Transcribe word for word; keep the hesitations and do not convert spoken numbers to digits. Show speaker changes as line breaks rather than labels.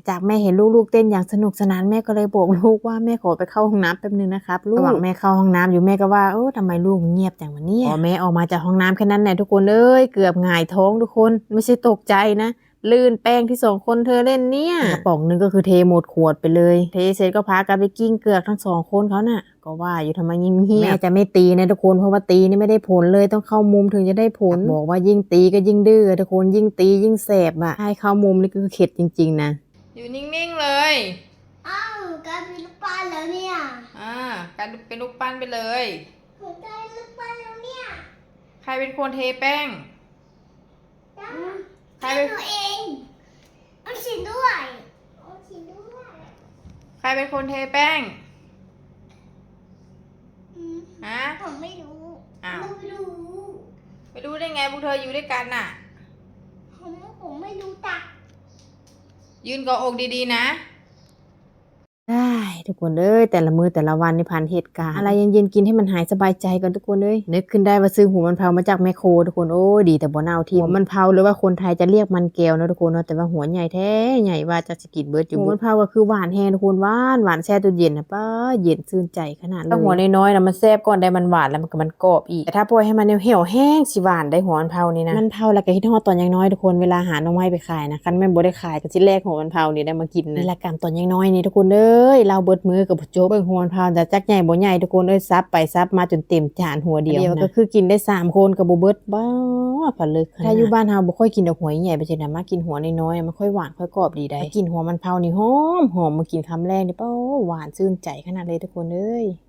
จากแม่เห็นลูกๆเต้นอย่างสนุกสนานแม่ก็เลยบอกลูกว่าแม่ขอไปเข้าห้องน้ำแป๊บนึงนะครับลูกระหว่างแม่เข้าห้องน้ำอยู่แม่ก็ว่าเออทำไมลูกเงียบจังวะเนี่ยพอแม่ออกมาจากห้องน้ำแค่นั้นแหละทุกคนเอ้ยเกือบหงายท้องทุกคนไม่ใช่ตกใจนะลื่นแป้งที่สองคนเธอเล่นเนี่ยกระป๋องนึงก็คือเทหมดขวดไปเลยเทเสร็จก็พากันไปกิ้งเกือกทั้งสองคนเขาน่ะก็ว่าอยู่ทำไมยิ่งเงียบแม่จะไม่ตีนะทุกคนเพราะว่าตีนี่ไม่ได้ผลเลยต้องเข้ามุมถึงจะได้ผลบอกว่ายิ่งตีก็ยิ่งดื้อทุกคนยิ่งตียิ่งแสบอ่ะให้เข้ามุมนี่คือเข็ดจริงๆนะ
อยู่นิ่งๆเลย
อ้าวกลายเป็นลูกปั้นแล้วเนี่ย
อ่ากลายเป็นลูกปั้นไปเลย
หัวใจลูกปั้นแล้วเนี่ย
ใครเป็นคนเทแป้ง
ใครเป็นตัวเองเอาฉีดด้วยเอาฉีดด้วย
ใครเป็นคนเทแป้งฮะ
ผมไม่รู้
อ้าว
ไม่รู้
ไม่รู้ได้ไงพวกเธออยู่ด้วยกันน่ะ
ผมผมไม่รู้จัก
ยืนเกาะอกดีๆนะ
ได้ทุกคนเอ้ยแต่ละมือแต่ละวันในผ่านเหตุการณ์อะไรเย็นๆกินให้มันหายสบายใจกันทุกคนเอ้ยนึกขึ้นได้ว่าซื้อหัวมันเผามาจากแมคโครทุกคนโอ้ยดีแต่บ่เน่าที่หัวมันเผาหรือว่าคนไทยจะเรียกมันแก้วนะทุกคนเนาะแต่ว่าหัวใหญ่แท้ใหญ่ว่าจะสกิดเบิร์ดอยู่หัวมันเผาก็คือหวานแห้งทุกคนหวานหวานแช่ตู้เย็นนะป้าเย็นชื่นใจขนาดเลยถ้าหัวน้อยๆนะมันแซ่บก่อนได้มันหวานแล้วมันก็มันกรอบอีกแต่ถ้าปล่อยให้มันเหี่ยวแห้งสิหวานได้หัวมันเผานี่นะมันเผาแล้วก็คิดฮอดตอนยังน้อยทุกคนเวลาหาหน่อไม้ไปขายนะคันแม่บ่ได้ขายก็สิแลกหัวมันเผานี่ได้มากินนะนี่ละกันตอนยังน้อยนี่ทุกคนเอ้ยเราเบิดมือกับโจ๊กเบิ่งหัวมันเผาแต่จักใหญ่บ่ใหญ่ทุกคนเอ้ยซับไปซับมาจนเต็มจานหัวเดียวนะก็คือกินได้สามคนก็บ่เบิดบ้าผลึกถ้าอยู่บ้านเฮาบ่ค่อยกินดอกหัวใหญ่ไปจังได๋มากินหัวน้อยๆมันค่อยหวานค่อยกรอบดีได้กินหัวมันเผานี่หอมหอมมากินคำแรกนี่เป้าหวานชื่นใจขนาดเลยทุกคนเอ้ย